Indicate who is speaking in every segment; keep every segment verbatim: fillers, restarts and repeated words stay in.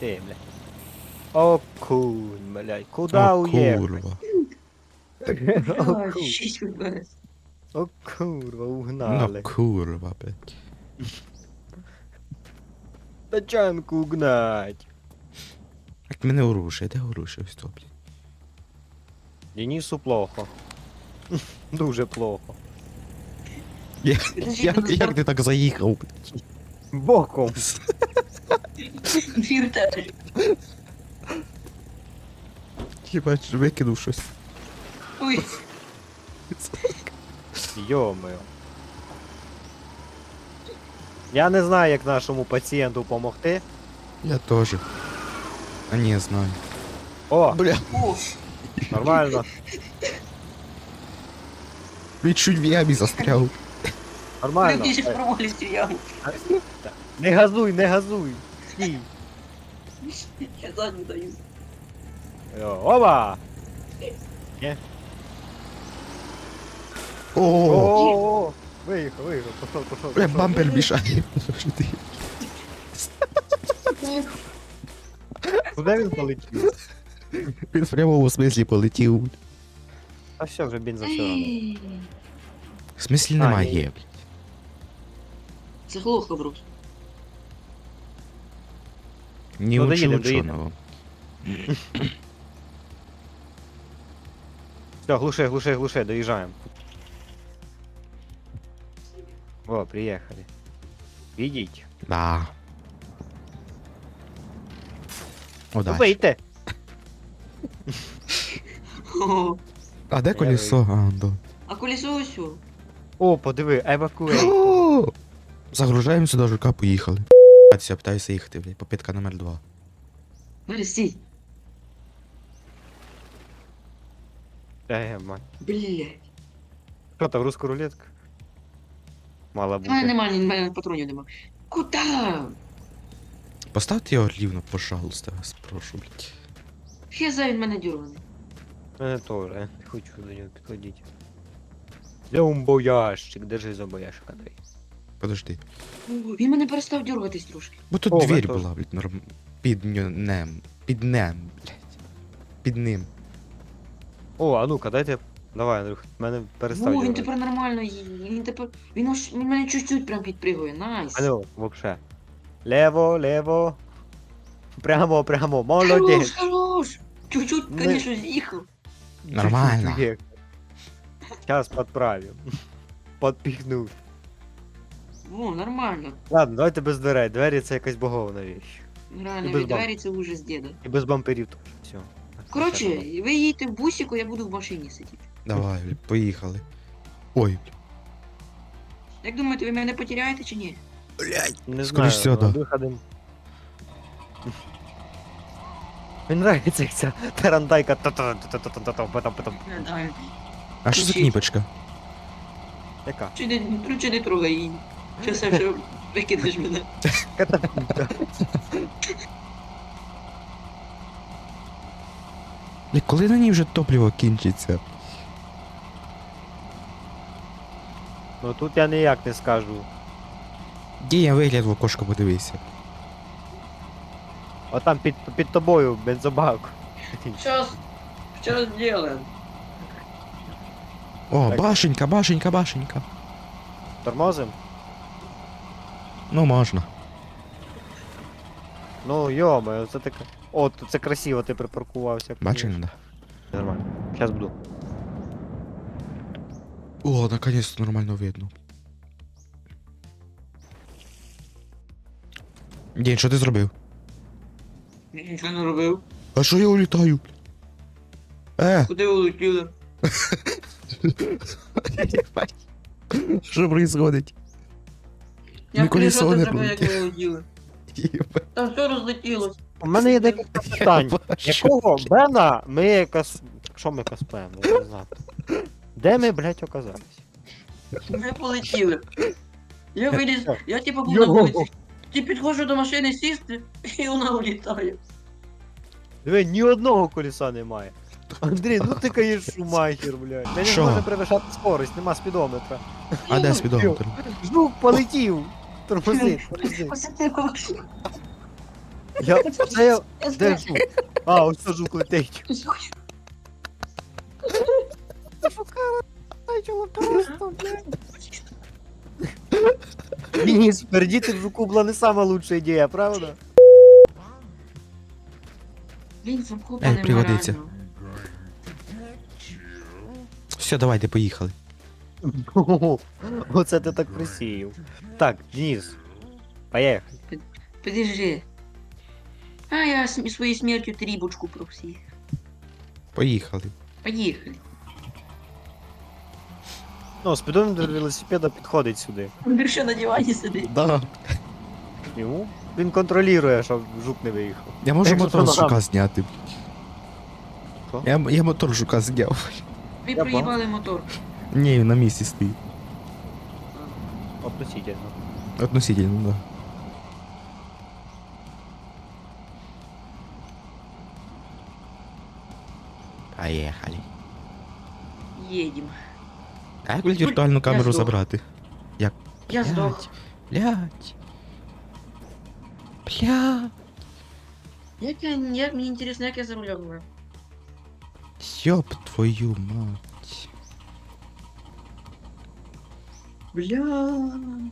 Speaker 1: ти, блядь. О, кун, блядь, куда
Speaker 2: О,
Speaker 1: уехать?
Speaker 2: курва.
Speaker 1: О,
Speaker 3: Бля,
Speaker 1: кун,
Speaker 3: шість вбиває.
Speaker 1: о, курва,
Speaker 2: Ну,
Speaker 1: угнали.
Speaker 2: курва, блядь.
Speaker 1: Тачанку угнать.
Speaker 2: Як мене оружие, де оружие? Ось то, блядь.
Speaker 1: Денису плохо. Дуже плохо.
Speaker 2: Як,
Speaker 3: Підожди,
Speaker 2: як,
Speaker 3: ти
Speaker 2: як ти так заїхав, блядь?
Speaker 1: Боком.
Speaker 3: Двір теж.
Speaker 2: Хіба ж викинув щось?
Speaker 3: Ой,
Speaker 1: Йо-моє. Я не знаю, як нашому пацієнту допомогти.
Speaker 2: Я теж. А ні, знаю.
Speaker 1: О,
Speaker 2: Бля,
Speaker 3: о,
Speaker 1: нормально.
Speaker 2: він чуть в ямі застряв.
Speaker 1: Нормально.
Speaker 3: люди ще
Speaker 1: Е,
Speaker 3: провалюють цю яму.
Speaker 1: Не газуй, не газуй. Стій.
Speaker 3: Я задню даю.
Speaker 1: Йо, Оба!
Speaker 2: О,
Speaker 1: О, виїхав, виїхав, пішов, пішов.
Speaker 2: бля,
Speaker 1: пішов.
Speaker 2: бампер мішає. Що ти?
Speaker 1: Куди він полетів?
Speaker 2: Він в прямому смислі полетів.
Speaker 1: А все, вже бенза все одно.
Speaker 2: В смислі
Speaker 1: А,
Speaker 2: немає,
Speaker 1: ні.
Speaker 2: блядь.
Speaker 3: Це глухо, брус.
Speaker 2: Ні
Speaker 1: Ну,
Speaker 2: учу
Speaker 1: доїдем,
Speaker 2: ученого.
Speaker 1: Все, глуши, глуши, глуши, доїжджаємо. О, приїхали. Ідіть.
Speaker 2: Да.
Speaker 1: Ну,
Speaker 2: Удачі.
Speaker 1: вийте.
Speaker 3: О,
Speaker 2: А де колесо? А, да.
Speaker 3: а колесо ось. о.
Speaker 1: О, подиви, евакуей.
Speaker 2: О! Загружаємо сюди жука, поїхали. Я питаюся їхати, блядь, попитка номер два.
Speaker 3: Валя, стій.
Speaker 1: Е, мать.
Speaker 3: Блядь.
Speaker 1: Що там, руська рулетка? Мала
Speaker 3: У мене
Speaker 1: бути.
Speaker 3: нема, ні, в мене патронів нема. Куда?
Speaker 2: Поставте його рівно, пожалуйста, вас прошу, блядь.
Speaker 3: Хеза він мене дюрганий.
Speaker 1: Мене теж, я не хочу до нього підходити. Де умбоящик? Держи зомбоящик, Андрій.
Speaker 2: Подожди.
Speaker 3: О, він мене перестав дюргатись трошки.
Speaker 2: Бо тут
Speaker 1: О, ви
Speaker 2: двір
Speaker 1: теж.
Speaker 2: була, блядь, норм... Під нем. Під нем, блядь. Під ним.
Speaker 1: О, а ну-ка, дайте. Давай, Андрюх, мене перестав.
Speaker 3: О, він
Speaker 1: дергати.
Speaker 3: тепер нормально їде. Він тепер. Він аж він мене чуть-чуть прям підпригує. Найс.
Speaker 1: Алло, вообще. Лево, лево. Прямо, прямо,
Speaker 3: Хорош,
Speaker 1: молодець.
Speaker 3: хорош. Чуть-чуть,
Speaker 1: Не-
Speaker 3: конечно, з'їхав.
Speaker 2: Нормально.
Speaker 1: Сейчас подправим. Подпихнув.
Speaker 3: О, нормально.
Speaker 1: Ладно, давайте без дверей. Двері це якась богована річ.
Speaker 3: Реально,
Speaker 1: І без
Speaker 3: від двері це ужас діда.
Speaker 1: І без бамперів теж. Все.
Speaker 3: Коротше, ви їдете в бусіку, я буду в машині сидіти.
Speaker 2: Давай, блядь, поїхали. Ой, блядь.
Speaker 3: Як думаєте, ви мене потеряєте чи ні?
Speaker 2: Блядь.
Speaker 1: Не
Speaker 2: Скоріш
Speaker 1: знаю,
Speaker 2: всього,
Speaker 1: ну,
Speaker 2: да.
Speaker 1: виходимо. Мені нравиться як ця тарантайка. Та-та-та-та-та-та-та, потом-потом.
Speaker 3: Не знаю.
Speaker 2: А що за
Speaker 3: Включіть.
Speaker 2: кніпочка?
Speaker 1: Яка?
Speaker 3: Чи не, ну, чи не трогай її. Щас я вже викинеш мене.
Speaker 1: Катапульта.
Speaker 2: Блядь, коли на ній вже топливо кінчиться?
Speaker 1: Ну тут я ніяк не скажу.
Speaker 2: Дія вигляд в окошко подивися.
Speaker 1: О там під, під тобою бензобак.
Speaker 3: Щас, щас делаем.
Speaker 2: О,
Speaker 1: Так.
Speaker 2: башенька, башенька, башенька.
Speaker 1: Тормозим?
Speaker 2: Ну, можна.
Speaker 1: Ну йомо, це таке. О, тут це красиво, ти припаркувався.
Speaker 2: Бачиш, да.
Speaker 1: Нормально. Зараз буду.
Speaker 2: О, наконец-то нормально видно. День, що ти зробив?
Speaker 3: Я нічого не робив.
Speaker 2: А що я улітаю? Е,
Speaker 3: Куди ви улетіли?
Speaker 2: що происходить?
Speaker 3: Я
Speaker 2: Ми колесо
Speaker 3: приїжджати
Speaker 2: не
Speaker 3: треба, як
Speaker 2: пролетіло.
Speaker 3: ви улетіли. Там все розлетілось.
Speaker 1: У мене є декілька питань. Якого Бена ми якось. Що ми каспаємо, я не знаю. Де ми, блядь, оказались?
Speaker 3: Ми полетіли. Я виліз, я типу був на
Speaker 1: Його.
Speaker 3: вулиці. Ті підходжу до машини сісти, і вона улітає.
Speaker 1: Диви, ні одного колеса немає. Андрій, ну ти каєш шумахер, блядь. Ми не
Speaker 2: Що?
Speaker 1: можемо перевищати скорость, нема спідометра.
Speaker 2: А де спідометр?
Speaker 1: Жук полетів. Тормози, тормози.
Speaker 3: Посадив машину.
Speaker 1: Я, це я,
Speaker 3: Я
Speaker 1: де
Speaker 3: знаю.
Speaker 1: жук? А, ось це жук летить. Денис, пердіти в жуку була не сама лучша ідея, правда?
Speaker 3: Блін, замхопа
Speaker 2: Ей,
Speaker 3: не
Speaker 2: пригодиться.
Speaker 3: морально.
Speaker 2: Все, давайте, поїхали.
Speaker 1: Оце ти так присіяв. Так, Денис, поїхали.
Speaker 3: Подержи. А я с- своєю смертю трібочку просив.
Speaker 2: Поїхали.
Speaker 3: Поїхали.
Speaker 1: Ну, спідометр велосипеда підходить сюди.
Speaker 3: Він ще на дивані сидить.
Speaker 2: Да.
Speaker 1: Йому? Він контролює, щоб жук не виїхав.
Speaker 2: Я можу
Speaker 1: Якщо
Speaker 2: мотор з
Speaker 1: що,
Speaker 2: жука
Speaker 1: ногам.
Speaker 2: зняти.
Speaker 1: Що?
Speaker 2: Я, я мотор жука зняв.
Speaker 3: Ви
Speaker 1: Я
Speaker 3: проїбали мотор.
Speaker 2: Ні, він на місці стоїть.
Speaker 1: Относительно.
Speaker 2: Относительно, да. Поїхали.
Speaker 3: Їдем.
Speaker 2: А як віртуальну камеру
Speaker 3: здох.
Speaker 2: забрати?
Speaker 3: Я
Speaker 2: Блядь.
Speaker 3: здох.
Speaker 2: Блять. Бля.
Speaker 3: Як я, як мені інтересно, як я за рулем була?
Speaker 2: Ёб твою мать.
Speaker 3: Бля.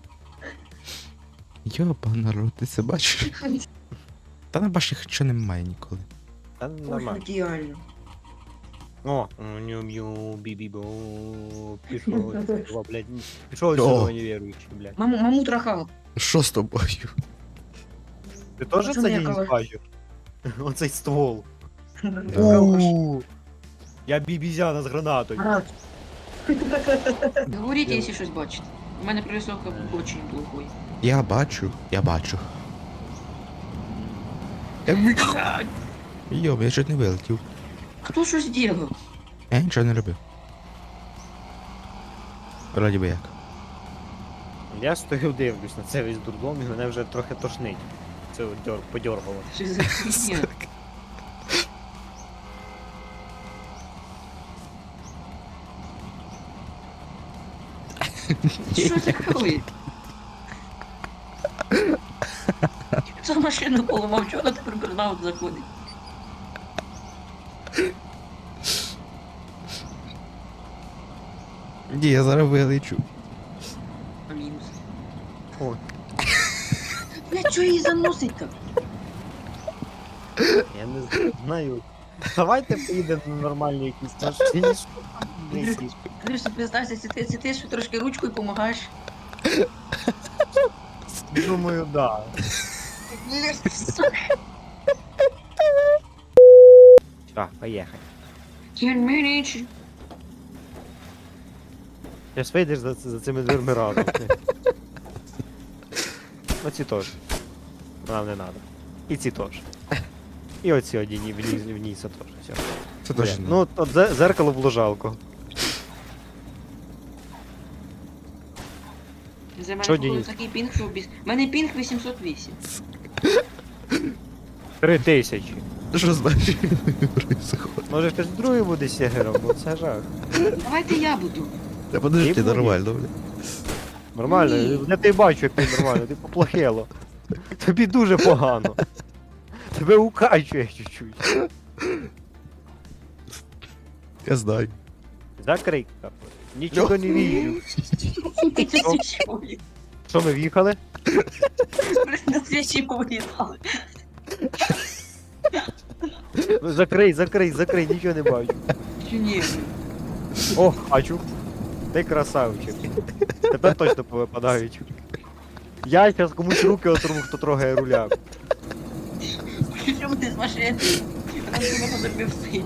Speaker 2: Йоба, народ, ти це бачиш? Та на башні що немає ніколи.
Speaker 1: Та
Speaker 3: Ой,
Speaker 1: нормально.
Speaker 3: ідеально.
Speaker 1: О, ню-мю, бі-бі-бо, пішов, о, блядь, пішов
Speaker 2: О.
Speaker 1: сюди невіруючий, блядь.
Speaker 3: Маму, маму трахав.
Speaker 2: Що з тобою?
Speaker 1: Ти теж
Speaker 3: Пацани,
Speaker 1: це
Speaker 3: я
Speaker 1: Денис
Speaker 3: кого-
Speaker 1: бачив? Оцей ствол.
Speaker 2: Да.
Speaker 1: У, Я бібізяна з гранатою.
Speaker 3: Говоріть, якщо щось бачите. У мене прорисовка дуже плохой.
Speaker 2: Я бачу, я бачу. Я... Йоб, я чуть не вилетів.
Speaker 3: Хто що зробив?
Speaker 2: Я нічого не робив. Вроді би як.
Speaker 1: Я стою дивлюсь на це весь дурдом і мене вже трохи тошнить. Це от дьор, подьоргало.
Speaker 3: Що за хуйня? Що таке? Хто машину поламав, чого вона тепер бернаут заходить?
Speaker 2: Ні, я зараз вилечу.
Speaker 3: А мінус.
Speaker 1: О,
Speaker 3: Бля, чого її заносить так?
Speaker 1: я не знаю. Давайте поїдемо на нормальні якісь машині. що там, блядь.
Speaker 3: Андрюша, признайся, це ти, це ти що трошки ручкою допомагаєш?
Speaker 1: Думаю, да.
Speaker 3: Бля, сука.
Speaker 1: Так, поїхали.
Speaker 3: Can manage.
Speaker 1: Зараз вийдеш за, за цими дверми разом. Оці теж. Нам не треба. І ці теж. І оці одні вниз, вниз теж. Все.
Speaker 2: Це теж
Speaker 1: Бля,
Speaker 2: не.
Speaker 1: ну, от зе- зеркало було жалко.
Speaker 3: За мене
Speaker 1: Що,
Speaker 3: походу
Speaker 1: Денис?
Speaker 3: такий пінг, що без... У мене пінг вісімсот вісім.
Speaker 1: Три тисячі.
Speaker 2: Що значить? Происходит.
Speaker 1: Може хтось другий буде сігером, бо це жах.
Speaker 3: Давайте я буду.
Speaker 2: Та подожди,
Speaker 1: Ти
Speaker 2: нормально, бля.
Speaker 1: Нормально,
Speaker 3: Ні.
Speaker 1: я тебе бачу, як ти нормально, ти поплохело. Тобі дуже погано. Тебе укачує чуть-чуть.
Speaker 2: Я знаю.
Speaker 1: Закрий капу. Нічого не віжу.
Speaker 3: Ти це свічі повлітали.
Speaker 1: Що ми в'їхали?
Speaker 3: На свічі повлітали.
Speaker 1: Закрий, закрий, закрий, нічого не бачу.
Speaker 3: Чи ні?
Speaker 1: О, бачу. Ти красавчик. Тепер точно повипадають. Я зараз комусь руки отру, хто трогає руля.
Speaker 3: Чому ти з машини? Вона тебе потерпів стоїть.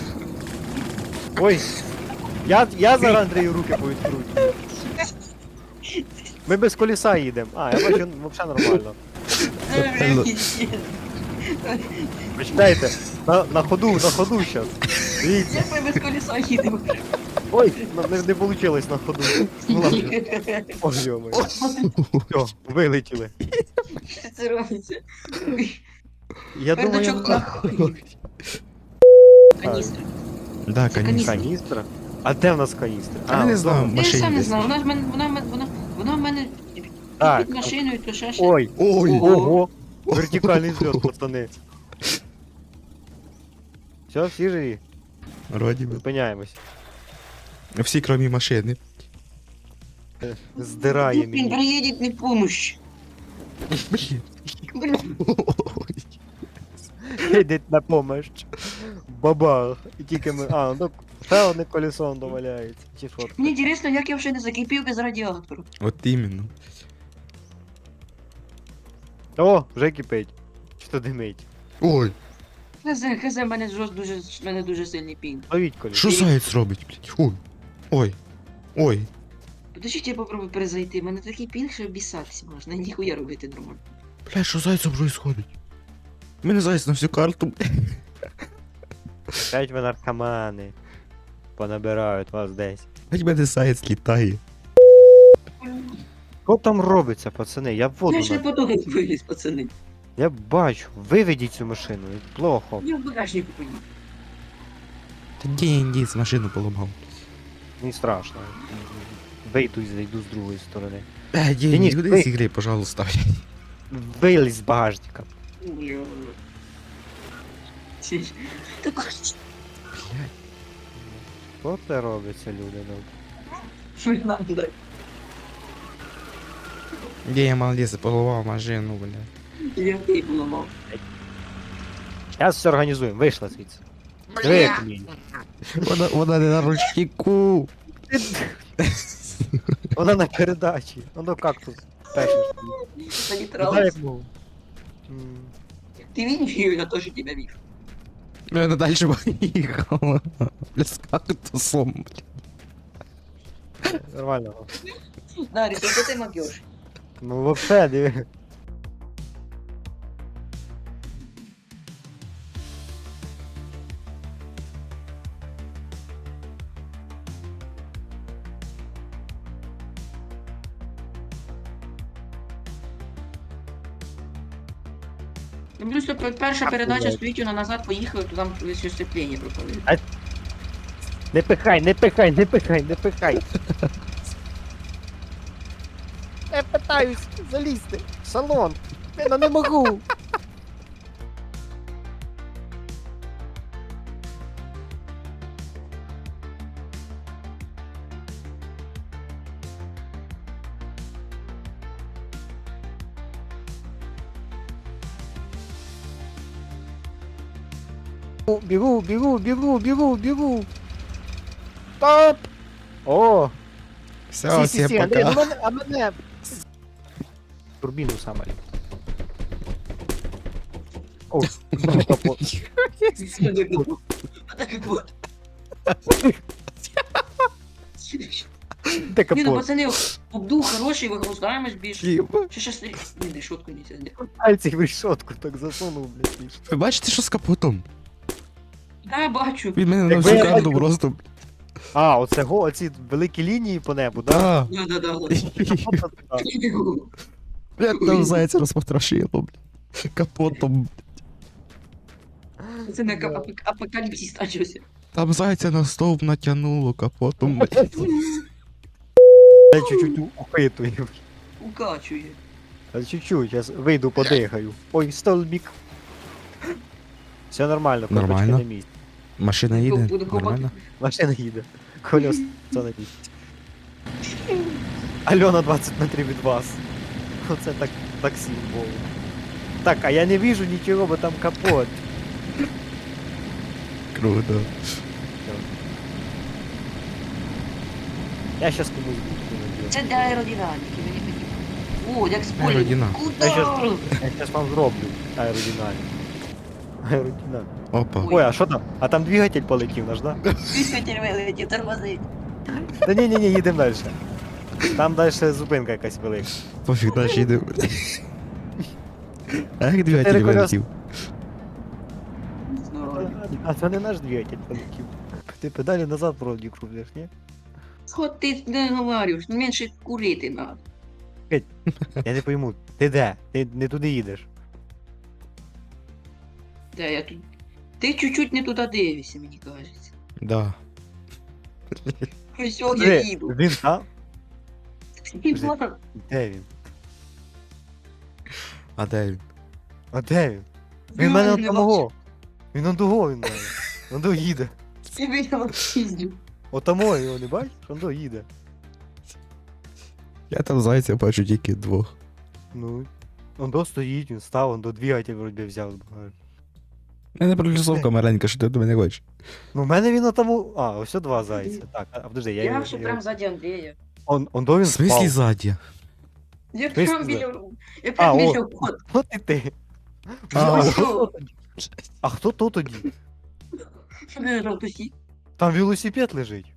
Speaker 1: Ой. Я, я зараз Андрію руки повідкручую. Ми без коліса їдемо. А, я бачу, взагалі нормально.
Speaker 3: Це вже піздець.
Speaker 1: Почитайте, на, на ходу, на ходу зараз. Дивіться.
Speaker 3: Як ми без колеса їдемо?
Speaker 1: Ой, на- не, не вийшло на ходу. Ну ладно. Ой, йомай. Все, вилетіли.
Speaker 3: Що це робиться?
Speaker 1: Я думаю,
Speaker 3: Пердачок нахуй. Каністра.
Speaker 2: Да,
Speaker 3: Це
Speaker 2: конечно.
Speaker 1: каністра? А де в нас каністра?
Speaker 2: А, не знаю,
Speaker 1: вдома.
Speaker 3: Я ж
Speaker 2: машині
Speaker 3: сам не
Speaker 2: десь.
Speaker 3: знав, вона ж мене, вона, в мене- вона, вона в мене
Speaker 1: Так.
Speaker 3: під машиною, то ще ще.
Speaker 1: Ой,
Speaker 2: Ой,
Speaker 3: Ого.
Speaker 1: ого. Вертикальний зльот, пацани. Все, всі живі?
Speaker 2: Вроді би.
Speaker 1: Зупиняємось.
Speaker 2: Всі, крім машини.
Speaker 1: Здирає
Speaker 3: Він
Speaker 1: мені.
Speaker 3: приїде не помощь.
Speaker 2: Блін.
Speaker 1: Йде на помощь. Бабах. І тільки ми. А, ну ще одне колесо доваляється. Чи що?
Speaker 3: Мені цікаво, як я вже не закипів без радіатору.
Speaker 2: От іменно.
Speaker 1: О, вже кипить. Чи то димить?
Speaker 2: Ой,
Speaker 3: Хз, хз, в мене жорст дуже, в мене дуже сильний пінг.
Speaker 1: Ловіть колесо.
Speaker 2: що заяць робить, блядь? Ой. Ой. Ой.
Speaker 3: Подождіть, я попробую перезайти. У мене такий пінг, що обісатися можна. Ніхуя робити нормально.
Speaker 2: Бля, що з зайцем происходить? У мене заяць на всю карту.
Speaker 1: П'ять ви наркомани. Понабирають вас десь.
Speaker 2: Блядь, мене заяць літає.
Speaker 1: Що там робиться, пацани? Я в воду
Speaker 3: Я ще
Speaker 1: на...
Speaker 3: потім виліз, пацани.
Speaker 1: Я бачу. Виведіть цю машину. Плохо.
Speaker 3: Я в багажнику поїду.
Speaker 2: Та ні, ні, з машину поламав.
Speaker 1: Не страшно. Вийду і зайду з другої сторони.
Speaker 2: Е, ні,
Speaker 1: Денис,
Speaker 2: ні, куди
Speaker 1: ви-
Speaker 2: з ігри, пожалуйста.
Speaker 1: Вилізь з багажника.
Speaker 3: Бля. Ці- Та
Speaker 1: Що це робиться, люди? Ну?
Speaker 3: що й надо?
Speaker 2: Ні, я молодець, поламав машину, бля.
Speaker 3: Я ти поламав.
Speaker 1: Зараз все організуємо. Вийшла звідси. Диви, як вміє.
Speaker 2: Вона, вона не на ручнику.
Speaker 1: Вона на передачі. Воно кактус. Перший.
Speaker 3: Та не
Speaker 1: Куди
Speaker 3: тралась.
Speaker 1: як мов? М,
Speaker 3: Ты видишь ее, я тоже тебя вижу.
Speaker 2: Ну, вона далі поїхала. Бля, з кактусом, бля.
Speaker 1: Нормально.
Speaker 3: Дарья, только ты могешь.
Speaker 1: Ну вообще, диви.
Speaker 3: Ну, просто пе- перша передача стоїть, вона назад поїхала, то там все сцеплення пропали.
Speaker 1: Не пихай, не пихай, не пихай, не пихай. Я питаюсь залізти в салон. Я не можу. Бігу, бігу, бігу, бігу, бігу. Стоп! О!
Speaker 2: Все,
Speaker 1: Сі, сі,
Speaker 2: всім
Speaker 1: сі, Андрій,
Speaker 2: пока.
Speaker 1: а мене, а мене. Турбіну саме. О, капот. Де
Speaker 3: Ні, ну
Speaker 1: капот?
Speaker 3: пацани, обдув хороший, вигруздаємось більше.
Speaker 2: Єба.
Speaker 3: Ще щас... Ні, не шутку не це.
Speaker 1: Пальці в решетку так засунув, блядь. і що?
Speaker 2: Ви бачите, що з капотом?
Speaker 3: Да, бачу.
Speaker 2: Він мене на
Speaker 1: Якби
Speaker 2: всю
Speaker 1: я
Speaker 2: карту
Speaker 1: бачив-
Speaker 2: просто.
Speaker 1: А, оце го, оці великі лінії по небу, да?
Speaker 2: Да.
Speaker 3: Да, да, да.
Speaker 1: Капот, да.
Speaker 2: Бля, там зайця розпотрошило, бля. Капотом.
Speaker 3: Це не ап- апокаліпсис почався.
Speaker 2: Там зайця на стовп натягнуло капотом, бля.
Speaker 1: Я чуть-чуть ухитую.
Speaker 3: Укачує.
Speaker 1: А чуть-чуть, зараз вийду, подихаю. Ой, столбік. Все нормально,
Speaker 2: Нормально.
Speaker 1: кнопочки на місці.
Speaker 2: Машина їде,
Speaker 3: Буду копати.
Speaker 2: нормально.
Speaker 1: Машина їде. Колес на місці. Альона двадцять метрів від вас. Оце так таксі було. Так, а я не вижу нічого, бо там капот.
Speaker 2: Круто.
Speaker 1: Я щас комусь буду.
Speaker 3: Це для аеродинаміки, мені потрібно. О, як спойлер.
Speaker 2: Аеродинаміка.
Speaker 1: Я щас,
Speaker 3: Удар!
Speaker 1: я щас вам зроблю аеродинаміку. Аеродинаміку.
Speaker 2: Опа.
Speaker 1: Ой, а що там? А там двигатель полетів наш, да?
Speaker 3: Двигатель вилетів, тормози.
Speaker 1: Та ні, ні, ні, їдемо далі. Там далі зупинка якась велика.
Speaker 2: Пофіг, далі йде. А як двигатель
Speaker 1: Чотири колеса.
Speaker 2: вилетів?
Speaker 1: А це не наш двигатель полетів. Ти педалі назад вроді крутиш, ні?
Speaker 3: От ти не говориш, менше курити надо.
Speaker 1: Я не пойму, ти де? Ти не туди їдеш.
Speaker 3: Де я тут? Ти чуть-чуть не туди дивишся, мені кажеться.
Speaker 2: Да.
Speaker 3: Ось о, я
Speaker 1: Де?
Speaker 3: їду.
Speaker 1: Він там?
Speaker 3: І ладно.
Speaker 1: Де він?
Speaker 2: А де він?
Speaker 1: А де він? Він мене от самого. Він он того, він мене. Он до їде.
Speaker 3: Ти мене піздю.
Speaker 1: Отамо його не бачиш? Он до їде.
Speaker 2: Я там зайця бачу тільки двох.
Speaker 1: Ну. Он до стоїть, він став, он до двигатель вроді взяв. збагаю.
Speaker 2: У мене пролісовка маленька, що ти до мене хочеш.
Speaker 1: Ну, в мене він отаму. А, ось о два зайця. Так, а подожди, я
Speaker 3: Я
Speaker 1: його.
Speaker 3: ще
Speaker 1: я
Speaker 3: прям
Speaker 1: його-
Speaker 3: ззаді Андрія.
Speaker 1: Он, он до він
Speaker 2: В смислі
Speaker 1: спав.
Speaker 2: ззаді?
Speaker 3: Я
Speaker 1: Ти
Speaker 3: прям
Speaker 1: ж-
Speaker 3: біля... Я
Speaker 1: А,
Speaker 3: прям
Speaker 1: о.
Speaker 3: біля входу.
Speaker 1: От і ти.
Speaker 2: А,
Speaker 1: А,
Speaker 3: ось
Speaker 1: хто
Speaker 3: що?
Speaker 1: тоді? А хто то тоді?
Speaker 3: Що ти жовтусі?
Speaker 1: Там велосипед лежить.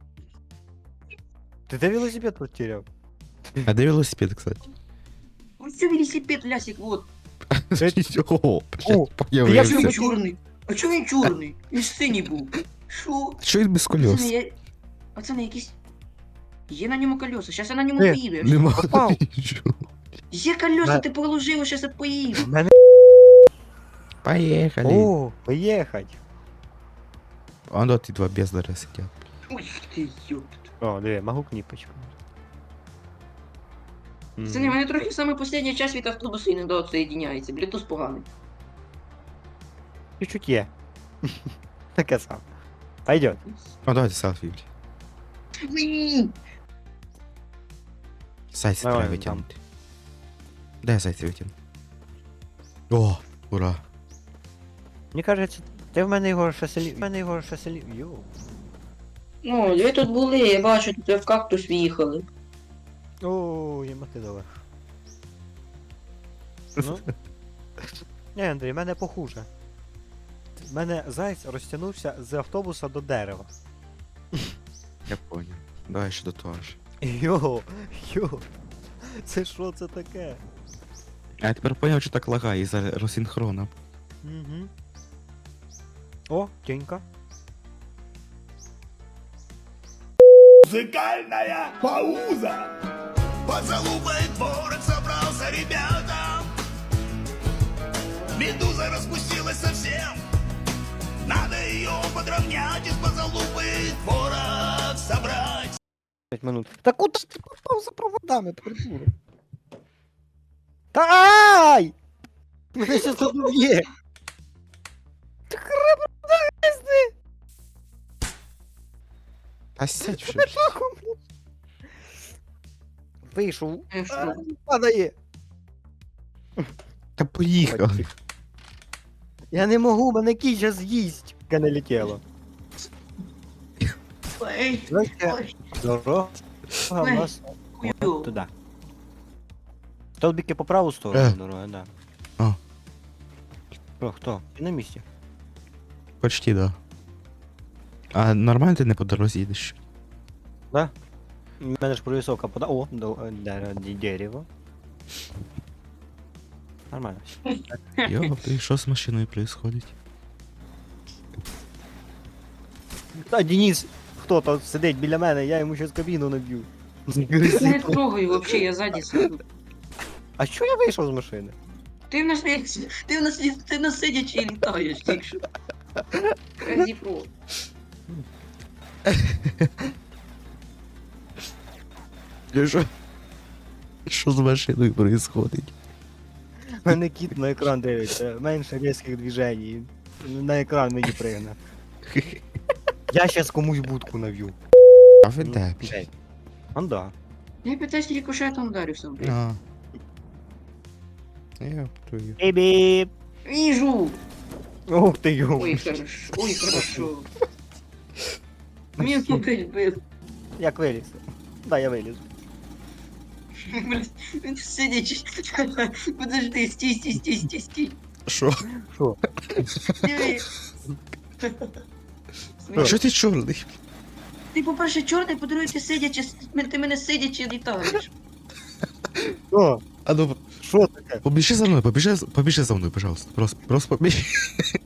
Speaker 1: Ти де велосипед потеряв?
Speaker 2: А де велосипед, кстати?
Speaker 3: Ось це велосипед, Лясик, вот.
Speaker 2: О,
Speaker 1: О,
Speaker 2: блядь,
Speaker 3: А
Speaker 1: я
Speaker 3: чого
Speaker 2: появився.
Speaker 3: він чорний? А чого він чорний? Він ж синій був. Що?
Speaker 2: Що він без
Speaker 3: Це не
Speaker 2: колес?
Speaker 3: я... А це не якісь... Є на ньому колеса, щас я на ньому
Speaker 1: Де?
Speaker 3: поїду. я
Speaker 2: Нема
Speaker 1: Попав.
Speaker 2: нічого.
Speaker 3: Є колеса,
Speaker 1: На-
Speaker 3: ти положив, щас я поїду.
Speaker 1: в мене.
Speaker 2: Поїхали.
Speaker 1: О, поїхать.
Speaker 2: А ну ті два бездари сидять.
Speaker 3: Ой, ти ёпт.
Speaker 1: О, диви, могу кніпочку.
Speaker 3: Це не мене трохи саме останній час від автобусу і не доотсоєдиняється. Блютуз поганий.
Speaker 1: Чуть-чуть є. Таке сам. Пойдет.
Speaker 2: Ну давайте селфі, блядь.
Speaker 3: Уі!
Speaker 2: Зайця
Speaker 1: Давай,
Speaker 2: треба
Speaker 1: там.
Speaker 2: витягнути. Де зайця витягнути? О, ура.
Speaker 1: Мені кажеться, ти в мене його ще селі. В мене його ще селі. Йоу.
Speaker 3: Ну, ви тут були, я бачу, тут ви в кактус в'їхали.
Speaker 1: О, є дала. Ну. Ні, Андрій, в мене похуже. В мене зайць розтягнувся з автобуса до дерева.
Speaker 2: Я понял. Давай ще до того ж.
Speaker 1: Йо, йо. Це що це таке?
Speaker 2: А я тепер поняв, що так лагає із-за розсинхрона.
Speaker 1: Угу. О, тінька.
Speaker 4: Музыкальная пауза. Поцелуй дворик собрался, ребята. Медуза распустилась совсем. Надо ее подровнять, из позалупы творог собрать.
Speaker 1: п'ять минут. Та куди ти попав за проводами, придурок? Та ай! Мене щас заб'є. Ти хребет пизди!
Speaker 2: А сядь вже.
Speaker 1: Вийшов.
Speaker 3: Е, що?
Speaker 1: Падає.
Speaker 2: Та поїхали.
Speaker 1: Я не можу, мене кінь зараз з'їсть. Яке не летіло.
Speaker 3: Ой,
Speaker 1: Знаєте,
Speaker 3: ой,
Speaker 1: дорога у
Speaker 3: Ой.
Speaker 1: нас
Speaker 3: хую.
Speaker 1: туди. Столбики по праву
Speaker 2: Е.
Speaker 1: сторону дороги, да.
Speaker 2: А.
Speaker 1: Що, хто? Ти на місці?
Speaker 2: Почти, да. А нормально ти не по дорозі їдеш?
Speaker 1: Да? У мене ж провісовка пода. О, до, де- де- дерево. Нормально.
Speaker 2: Йо, ти що з машиною происходить?
Speaker 1: Та Денис, хто там сидить біля мене, я йому щось кабіну наб'ю.
Speaker 3: Я не трогаю вообще, я ззаді сиду.
Speaker 1: А що я вийшов з машини?
Speaker 3: Ти в нас ти в нас ти в нас сидячи і літаєш, тільки що. Раді про.
Speaker 2: Що? Що з машиною происходить?
Speaker 1: У мене кіт на екран дивиться, менше різких движень. На екран мені пригне. Я щас комусь будку нав'ю.
Speaker 2: А ви де?
Speaker 1: Де? Анда.
Speaker 3: Я питаюсь рикошетом вдарився, блядь.
Speaker 2: А. Я твою.
Speaker 1: Бібі!
Speaker 3: Вижу!
Speaker 1: Ух ти йо.
Speaker 3: Ой, хорошо, ой, хорошо. Мені опять бив.
Speaker 1: Як виліз? Да, я виліз.
Speaker 3: Блядь, він сидячи. Подожди, стій, стій, стій, стій, стій.
Speaker 2: Що?
Speaker 1: Що?
Speaker 3: Диви.
Speaker 2: А що ти чорний?
Speaker 3: Ти, по-перше, чорний, по-друге, ти сидячи, ти мене сидячи літаєш.
Speaker 1: Що?
Speaker 2: А ну,
Speaker 1: Що таке?
Speaker 2: побіжи за мною, побіжи, побіжи за мною, пожалуйста. Просто, просто побіжи.